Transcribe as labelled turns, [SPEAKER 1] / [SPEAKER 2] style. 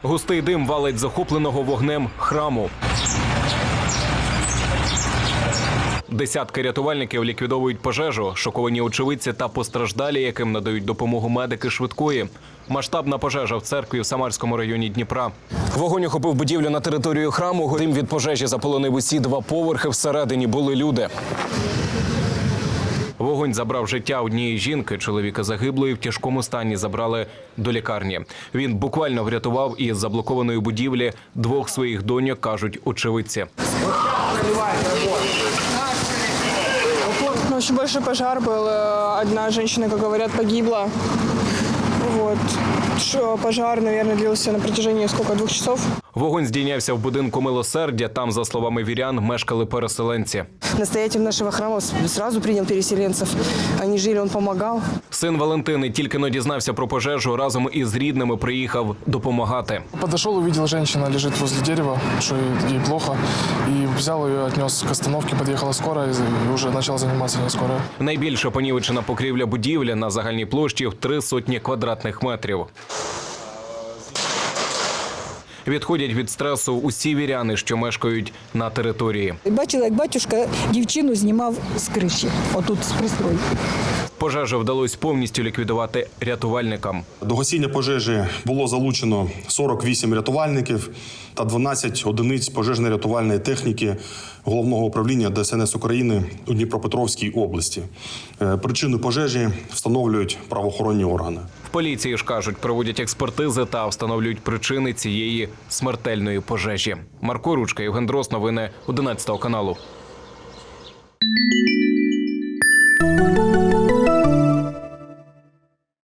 [SPEAKER 1] Густий дим валить захопленого вогнем храму. Десятки рятувальників ліквідовують пожежу, шоковані очевидці та постраждалі, яким надають допомогу медики швидкої. Масштабна пожежа в церкві в Самарському районі Дніпра. Вогонь охопив будівлю на територію храму. Дим від пожежі заполонив усі 2 поверхи. Всередині були люди. Вогонь забрав життя однієї жінки. Чоловіка загиблої в тяжкому стані забрали до лікарні. Він буквально врятував із заблокованої будівлі 2 своїх доньок, кажуть очевидці.
[SPEAKER 2] Очень большой пожар был. Одна женщина, как говорят, погибла. Вот. Пожар, наверное, длился на протяжении 2 часов.
[SPEAKER 1] Вогонь здійнявся в будинку Милосердя. Там, за словами вірян, мешкали переселенці.
[SPEAKER 3] Настоятель нашего храма сразу принял переселенцев. Они жили, он помогал.
[SPEAKER 1] Син Валентини тільки-но дізнався про пожежу, разом із рідними приїхав допомагати.
[SPEAKER 4] Подошел, увидел, женщина лежит возле дерева, что ей плохо. И взял ее, отнес к остановке, подъехала скорая и уже начала заниматься не скорая.
[SPEAKER 1] Найбільше понівечена покрівля будівлі на загальній площі в 300 квадратних метрів. Відходять від стресу усі віряни, що мешкають на території.
[SPEAKER 5] Бачила, як батюшка дівчину знімав з криші, отут з пристрою.
[SPEAKER 1] Пожежу вдалося повністю ліквідувати рятувальникам.
[SPEAKER 6] До гасіння пожежі було залучено 48 рятувальників та 12 одиниць пожежно-рятувальної техніки Головного управління ДСНС України у Дніпропетровській області. Причину пожежі встановлюють правоохоронні органи.
[SPEAKER 1] В поліції ж кажуть, проводять експертизи та встановлюють причини цієї смертельної пожежі. Марко Ручка, Євген Дрос, новини 11 каналу.